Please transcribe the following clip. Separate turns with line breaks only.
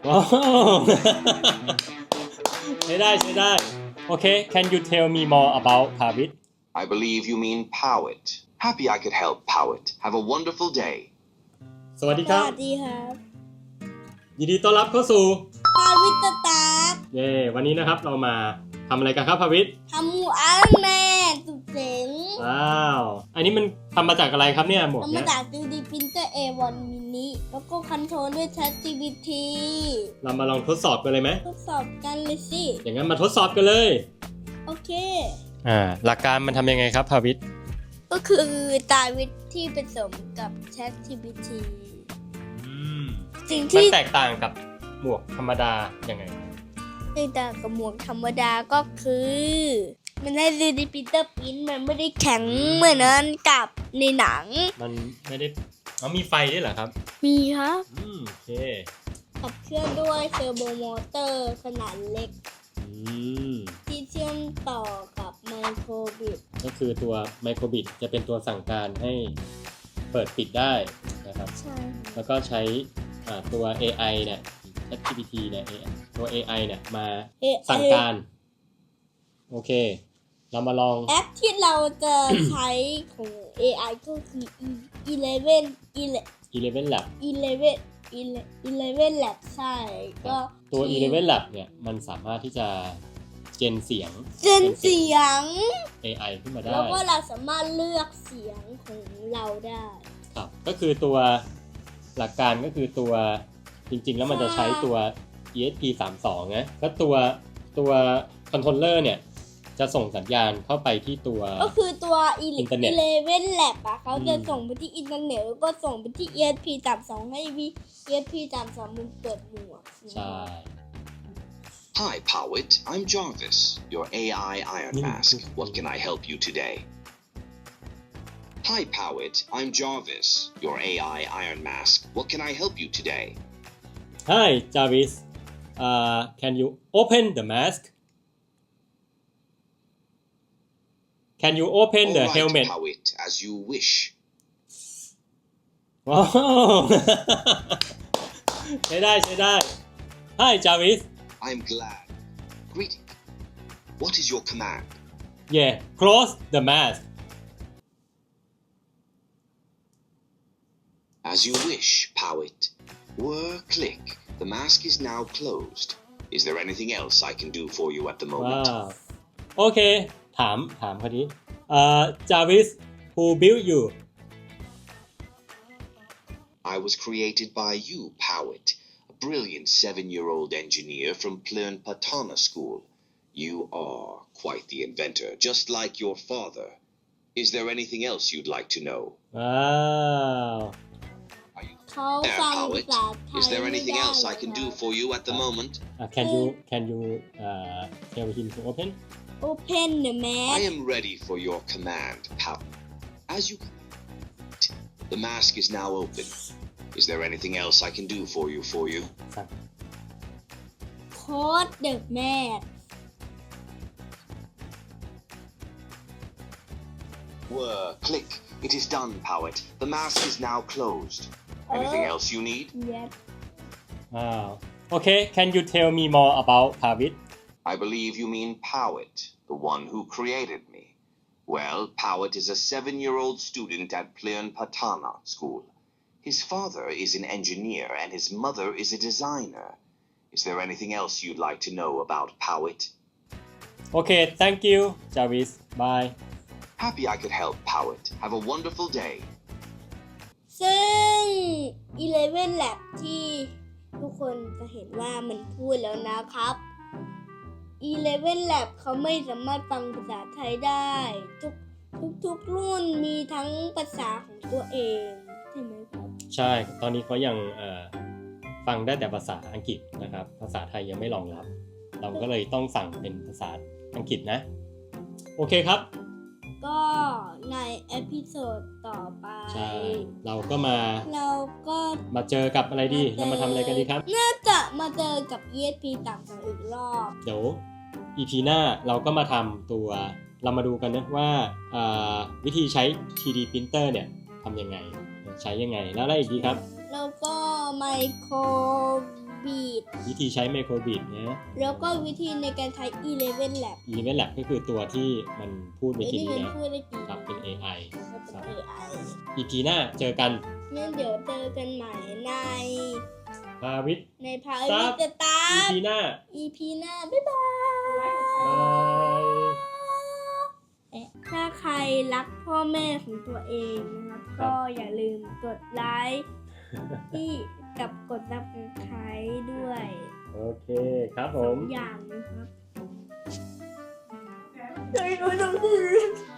ว้าวใช้ได้โอเค Can you tell me more about Pavit
I believe you mean Powit. Happy I could help, Powit. Have a wonderful day.
สวัสดี
ส
ครับ
วัสดีครับ
ยินดีต้อนรับเข้าสู่
พาวิตตาร์
เย้วันนี้นะครับเรามาทำอะไรกันครับพาวิท
ทำหมวกไอรอนแมนสุดเจ๋ง
ว้าวอันนี้มันทำมาจากอะไรครับเนี่ยหมวก
ทำ
เนี้
มาย จาก 3D printer A1 mini แล้วก็คอนโทรลด้วย ChatGPT
เรามาลองทดสอบกันเลยไหม
ทดสอบกันเลยสิ
อย่างนั้นมาทดสอบกันเลย
โอเค
หลักการมันทำยังไงครับพาวิท
ก็คือตาวิทที่ผสมกับ ChatGPT สิ่ง
มัน
ที่
แตกต่างกับหมวกธรรมดายังไง
แตกต่างกับหมวกธรรมดาก็คือ มันให้ 3D printer print มันไม่ได้แข็งเหมือนนั้นกับในหนัง
มันไม่ได้มีไฟด้วยเหรอครับ
มีครับ
โอเค
ขับเคลื่อนด้วยเทอร์โบมอเตอร์ขนาดเล็ก
ม
ที่เชื่อมต่อกับไมโครบิต
ก็คือตัวไมโครบิตจะเป็นตัวสั่งการให้เปิดปิดได้นะครับ
ใช่
แล้วก็ใช้ตัว AI เนี่ย ChatGPT เนี่ยตัว AI เนี่ยมาสั่งการโอเค เรามาลอง
แอปที่เราจะใช้ของ AI ก็คือ
Eleven Lab
11 Lab ใช่ก็
ตัว Eleven Lab เนี่ยมันสามารถที่จะเจนเสียง
เจนเสียง
AI ขึ้นมาได้
แล้วก็เราสามารถเลือกเสียงของเราได้
ครับก็คือตัวหลักการก็คือตัวจริงๆแล้วมันจะใช้ตัว ESP32 นะก็ตัวคอนโทรลเลอร์เนี่ยจะส่งสัญญาณเข้าไปที่ตัว
ก็คือตัว
อินเทอร์เน็ต
11 Lab อะเขาจะส่งไปที่อินเทอร์เน็ตแล้วก็ส่งไปที่ ESP32 ให้ ESP32 มันเปิดหมวก
ใช่
Hi, Powit. I'm Jarvis, your AI Iron Mask. What can I help you today? Hi, Powit. I'm Jarvis, your AI Iron Mask. What can I help you today?
Hi Jarvis can you open the mask Can you open the
All right,
helmet
Powit, as you wish.
ว้าว ใช้ได้ Hi Jarvis
I'm glad. Greeting. What is your command?
Yeah close the mask
As you wish, Powit. Whir click. The mask is now closed. Is there anything else I can do for you at the
ว้า
moment?
วโอเคถามคนนี้Jarvis who built you
I was created by you, Powit, a brilliant 7-year-old engineer from Plern Patana School. You are quite the inventor, just like your father. Is there anything else you'd like to know?
ว้าว
Are you
เขา
there,
ฟังภา
Powit?
ษาไทย
Is there
ไม่
anything
ได้
else
หร
I
อก
can
ค
do
รับ
for you at the moment?
Can you tell him to open
Open the
I
mask
am ready for your command, Powit. As you command, the mask is now open. Is there anything else I can do for you?
สั่ง
Code the mask
Whir, click. It is done, Powit. The mask is now closed. Anything else you need?
Yes
ว้าวโอเค Can you tell me more about Pavit
I believe you mean Powit, the one who created me. Well, Powit is a 7-year-old student at Plern Patana School. His father is an engineer and his mother is a designer. Is there anything else you'd like to know about Powit?
โอเค Thank you Jarvis Bye
Happy I could help, Powit. Have a wonderful day.
ซึ่ง 11 Lab ที่ทุกคนจะเห็นว่ามันพูดแล้วนะครับ 11 Lab เขาไม่สามารถฟังภาษาไทยได้ ทุกรุ่นมีทั้งภาษาของตัวเองใช่ไหมครับ
ใช่ ตอนนี้เขายังฟังได้แต่ภาษาอังกฤษนะครับ ภาษาไทยยังไม่รองรับ เราก็เลยต้องสั่งเป็นภาษาอังกฤษนะ โอเคครับ
ก็ในเอพิโซดต่อไป
ใช่ เราก็มา
เราก็
เจอกับอะไรดี เรามาทำอะไรกันดีครับ
น่าจะมาเจอกับ ESP ต่างกันอีกรอบ
เดี๋ยว EP หน้าเราก็มาทำตัว เรามาดูกันนะว่าวิธีใช้ 3D printer เนี่ยทำยังไง ใช้ยังไง แล้วอะไรอีกดีครับ
แล้วก็ไมโครบบีด
วิธีใช้ไมโครบิดนะ
แล้วก็วิธีในการใช้ Eleven Lab
Eleven Lab ก็คือตัวที่มันพูดเมื่อกี้
ที่
นี้
มัน
นะ
พูดได้กี่
ครับเป็น AI
เป็น
ครับ
AI
EP หน้าเจอกัน
งั้นเดี๋ยวเจอกันใหม่ใน
พาวิทย์
พาวิตตา
EP หน้า
EP หน้า บ๊ายบาย
บาย
ถ้าใครรักพ่อแม่ของตัวเองนะครับ ก็อย่าลืมกดไลค์ที่กับกด Subscribe ด้วย
โอเคครับผ
สอ
ม
งอย่างนะครับ